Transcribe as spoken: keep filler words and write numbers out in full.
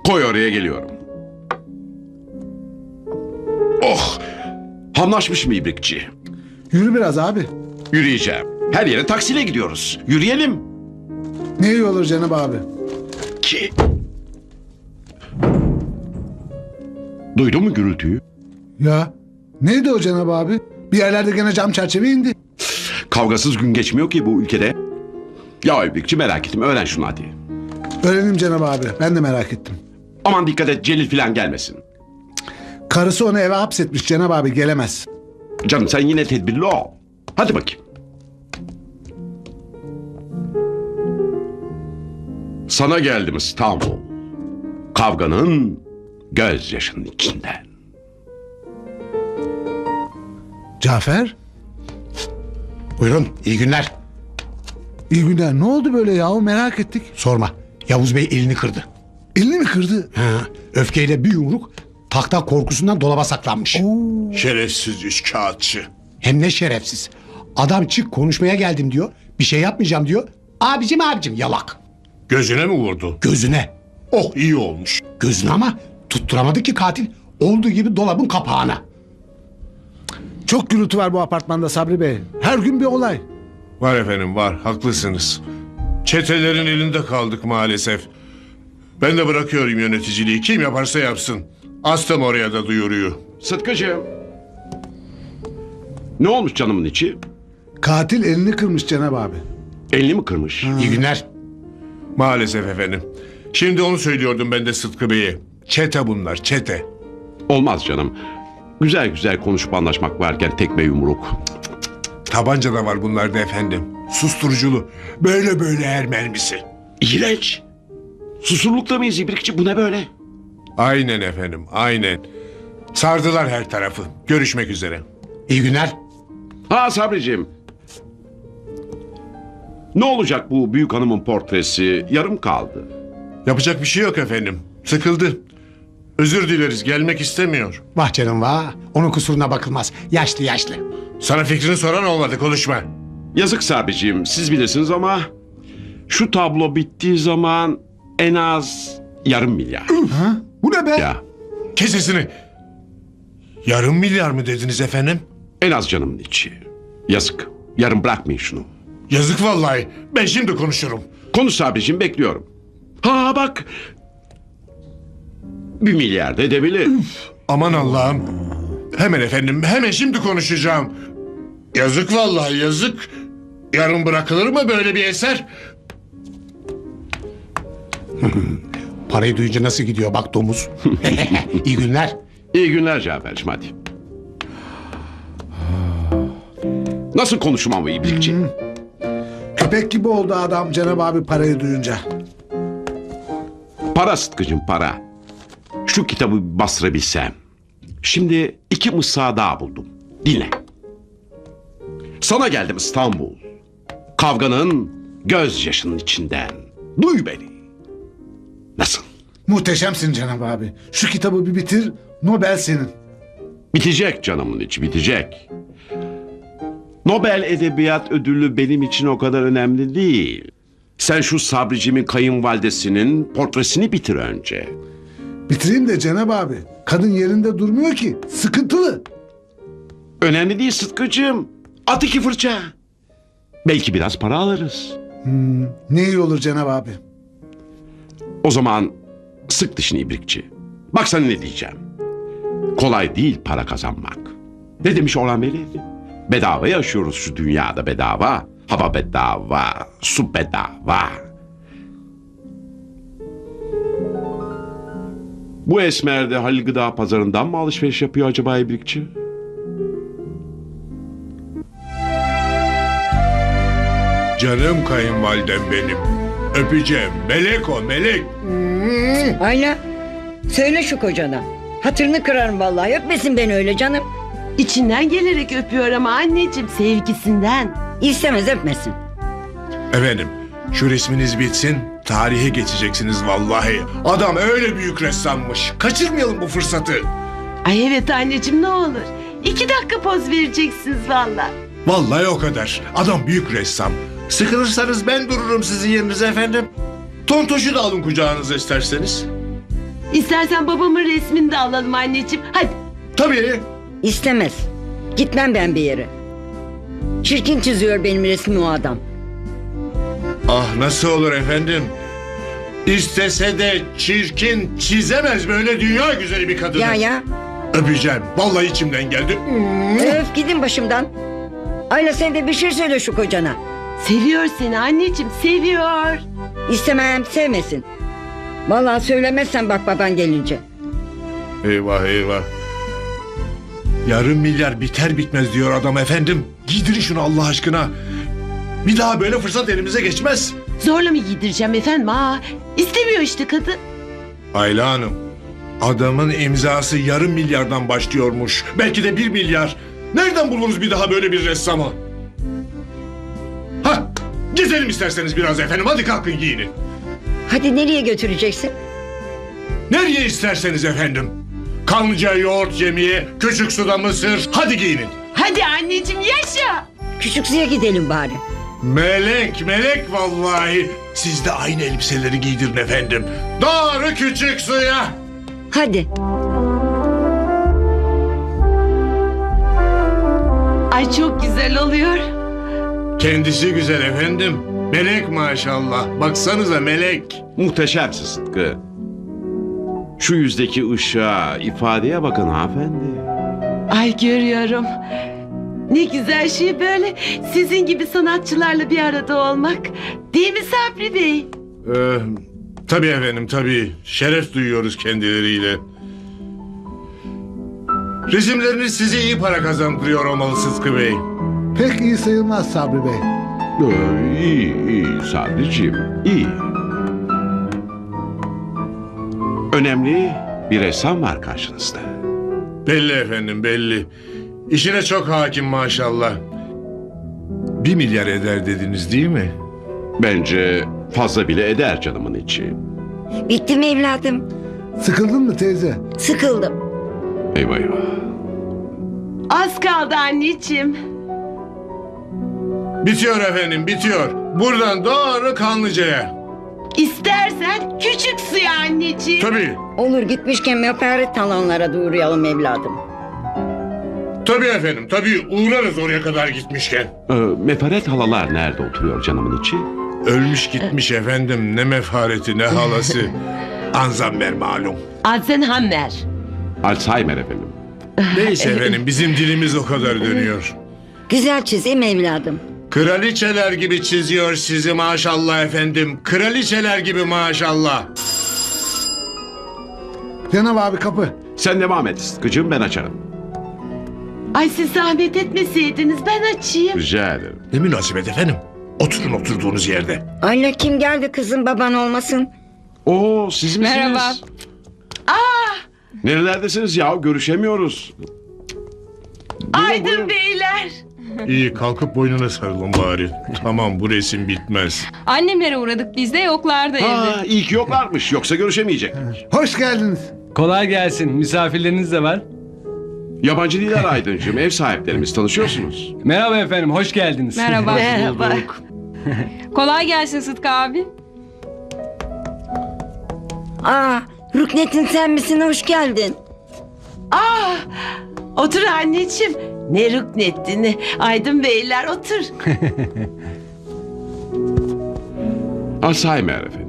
Koy oraya, geliyorum. Oh! Hamlaşmış mı ibrikçi? Yürü biraz abi. Yürüyeceğim. Her yere taksiyle gidiyoruz. Yürüyelim. Ne iyi olur Cenab abi. Ki... Duydun mu gürültüyü? Ya neydi o Cenab abi? Bir yerlerde gene cam çerçeve indi. Kavgasız gün geçmiyor ki bu ülkede. Ya ibrikçi, merak ettim. Öğren şunu hadi. Öğrenim Cenab abi. Ben de merak ettim. Aman dikkat et, Celil falan gelmesin. Karısı onu eve hapsetmiş Cenab abi, gelemez. Canım sen yine tedbirli ol. Hadi bakayım. Sana geldim İstanbul. Kavganın gözyaşının içinden. Cafer, Buyurun, iyi günler. iyi günler. Ne oldu böyle yahu, merak ettik. Sorma, Yavuz Bey elini kırdı. Elini mi kırdı? Ha, öfkeyle bir yumruk, tahta korkusundan dolaba saklanmış. Şerefsiz üçkağıtçı. Hem ne şerefsiz. Adam çık konuşmaya geldim diyor, bir şey yapmayacağım diyor. Abicim abicim yalak. Gözüne mi vurdu? Gözüne. Oh, iyi olmuş. Gözüne ama tutturamadı ki katil. Olduğu gibi dolabın kapağına. Çok gürültü var bu apartmanda Sabri Bey. Her gün bir olay. Var efendim, var, haklısınız. Çetelerin elinde kaldık maalesef. Ben de bırakıyorum yöneticiliği. Kim yaparsa yapsın. Astım oraya da duyuruyu. Sıtkıcığım. Ne olmuş canımın içi? Katil elini kırmış Cenab abi. Elini mi kırmış? İyi günler. Maalesef efendim. Şimdi onu söylüyordum ben de Sıtkı Bey'e. Çete bunlar, çete. Olmaz canım. Güzel güzel konuşup anlaşmak varken tekme yumruk. Tabanca da var bunlarda efendim. Susturuculu. Böyle böyle her mermisi. İğrenç. Susurlukta mıyız ibrikçi? Bu ne böyle? Aynen efendim, aynen. Sardılar her tarafı. Görüşmek üzere. İyi günler. Ha Sabriciğim. Ne olacak bu büyük hanımın portresi? Yarım kaldı. Yapacak bir şey yok efendim. Sıkıldı. Özür dileriz, gelmek istemiyor. Vah canım vah. Onun kusuruna bakılmaz. Yaşlı yaşlı. Sana fikrini soran olmadı, konuşma. Yazık Sabriciğim, siz bilirsiniz ama şu tablo bittiği zaman en az yarım milyar. Ha? Bu ne be? Ya Kes sesini. Yarım milyar mı dediniz efendim? en az canımın içi. Yazık. Yarım bırakmayın şunu. Yazık vallahi. Ben şimdi konuşurum. Konuş Sabriciğim, bekliyorum. Ha bak. Bir milyar da edebilir. Aman Allah'ım. Hemen efendim, hemen şimdi konuşacağım. Yazık vallahi, yazık. Yarın bırakılır mı böyle bir eser? Parayı duyunca nasıl gidiyor bak domuz. İyi günler. İyi günler Cafer'cim, hadi. Nasıl konuşmam bu ibrikçi? Köpek gibi oldu adam Cenab abi parayı duyunca. Para Sıtkı'cım, para. Şu kitabı bir bastırabilsem. Şimdi iki mısra daha buldum. Dinle. Sana geldim İstanbul. Kavganın gözyaşının içinden. Duy beni. Nasıl? Muhteşemsin Cenab abi. Şu kitabı bir bitir, Nobel senin. Bitecek canımın içi, bitecek. Nobel Edebiyat Ödülü benim için o kadar önemli değil. Sen şu Sabricimin kayınvalidesinin portresini bitir önce. Bitireyim de Cenab abi. Kadın yerinde durmuyor ki. Sıkıntılı. Önemli değil Sıtkı'cığım. At iki fırça. Belki biraz para alırız. Ne iyi olur Cenab abi. O zaman sık dişini ibrikçi. Bak sana ne diyeceğim. Kolay değil para kazanmak. Ne demiş Orhan Veli? Bedava yaşıyoruz şu dünyada, bedava. Hava bedava, su bedava. Bu esmer de Halil Gıda Pazarı'ndan mı alışveriş yapıyor acaba ibrikçi? Canım kayınvalidem benim. Öpeceğim. Melek o, melek. Ayla söyle şu kocana. Hatırını kırarım vallahi, öpmesin beni öyle canım. İçinden gelerek öpüyor ama anneciğim, sevgisinden. İstemez, öpmesin. Efendim, şu resminiz bitsin, tarihe geçeceksiniz vallahi. Adam öyle büyük ressammış. Kaçırmayalım bu fırsatı. Ay evet anneciğim, ne olur. İki dakika poz vereceksiniz valla. Vallahi o kadar. Adam büyük ressam. Sıkılırsanız ben dururum sizin yerinize efendim. Tontoşu da alın kucağınıza isterseniz. İstersen babamın resmini de alalım anneciğim. Hadi. Tabii. İstemez. Gitmem ben bir yere. Çirkin çiziyor benim resmi o adam. Ah nasıl olur efendim? İstese de çirkin çizemez böyle dünya güzeli bir kadını. Ya ya. Öpeceğim. Vallahi içimden geldi. Öf gidin başımdan. Ayla sen de bir şey söyle şu kocana. Seviyor seni anneciğim, seviyor. İstemem sevmesin. Vallahi söylemezsen bak baban gelince. Eyvah eyvah. Yarım milyar biter bitmez diyor adam efendim. Giydirin şunu Allah aşkına. Bir daha böyle fırsat elimize geçmez. Zorla mı giydireceğim efendim? Aa, istemiyor işte kadın. Ayla Hanım, adamın imzası yarım milyardan başlıyormuş. Belki de bir milyar. Nereden buluruz bir daha böyle bir ressamı? Hah, gezelim isterseniz biraz efendim. Hadi kalkın giyinin. Hadi nereye götüreceksin? Nereye isterseniz efendim. Kanlıca yoğurt yemeye, küçük suda mısır. Hadi giyinin. Hadi anneciğim yaşa. Küçük suya gidelim bari. Melek, melek vallahi. Siz de aynı elbiseleri giydirin efendim. Doğru küçük suya. Hadi. Ay çok güzel oluyor. Kendisi güzel efendim. Melek maşallah. Baksanıza melek. Muhteşemsin Sıtkı. Şu yüzdeki ışığa, ifadeye bakın hanımefendi. Ay görüyorum. Ne güzel şey böyle sizin gibi sanatçılarla bir arada olmak. Değil mi Sabri Bey? Ee, tabii efendim tabii. Şeref duyuyoruz kendileriyle. Resimleriniz size iyi para kazandırıyor olmalı Sıtkı Bey. Pek iyi sayılmaz Sabri Bey. Ee, iyi, iyi Sabriciğim, iyi. Önemli bir ressam var karşınızda. Belli efendim belli. İşine çok hakim maşallah. Bir milyar eder dediniz değil mi? Bence fazla bile eder canımın içi. Bitti mi evladım? Sıkıldın mı teyze? Sıkıldım. Eyvah eyvah. Az kaldı anneciğim. Bitiyor efendim bitiyor. Buradan doğru Kanlıca'ya. İstersen küçük suya anneciğim. Tabii. Olur gitmişken mefaret talonlara da uğrayalım evladım. Tabii efendim tabii uğrarız oraya kadar gitmişken. Ee, mefaret halalar nerede oturuyor canımın içi? Ölmüş gitmiş efendim ne mefareti ne halası. Anzamber malum. Alzheimer. Alzheimer efendim. Neyse efendim bizim dilimiz o kadar dönüyor. Güzel çizeyim evladım. Kraliçeler gibi çiziyor sizi maşallah efendim. Kraliçeler gibi maşallah. Cenab abi kapı. Sen devam et Sıtkı'cığım, ben açarım. Ay siz zahmet etmeseydiniz ben açayım. Rica ederim. Ne münasebet efendim. Oturun oturduğunuz yerde. Ayla kim geldi kızım baban olmasın? Oo, siz misiniz? Merhaba. Nerelerdesiniz ya? Görüşemiyoruz. Aydın beyler. İyi kalkıp boynuna sarılın bari. Tamam bu resim bitmez. Annemlere uğradık biz de yoklardı evde. Ha, iyi ki yoklarmış. Yoksa görüşemeyecektik. Hoş geldiniz. Kolay gelsin. Misafirleriniz de var. Yabancı değiller Aydıncığım. Ev sahiplerimiz, tanışıyorsunuz. Merhaba efendim, hoş geldiniz. Merhaba. Merhaba. Kolay gelsin Sıtkı abi. Aa Rüknet'in sen misin hoş geldin. Aa, otur anneciğim. Ne rüknetti ne. Aydın beyler otur. Alzheimer efendim.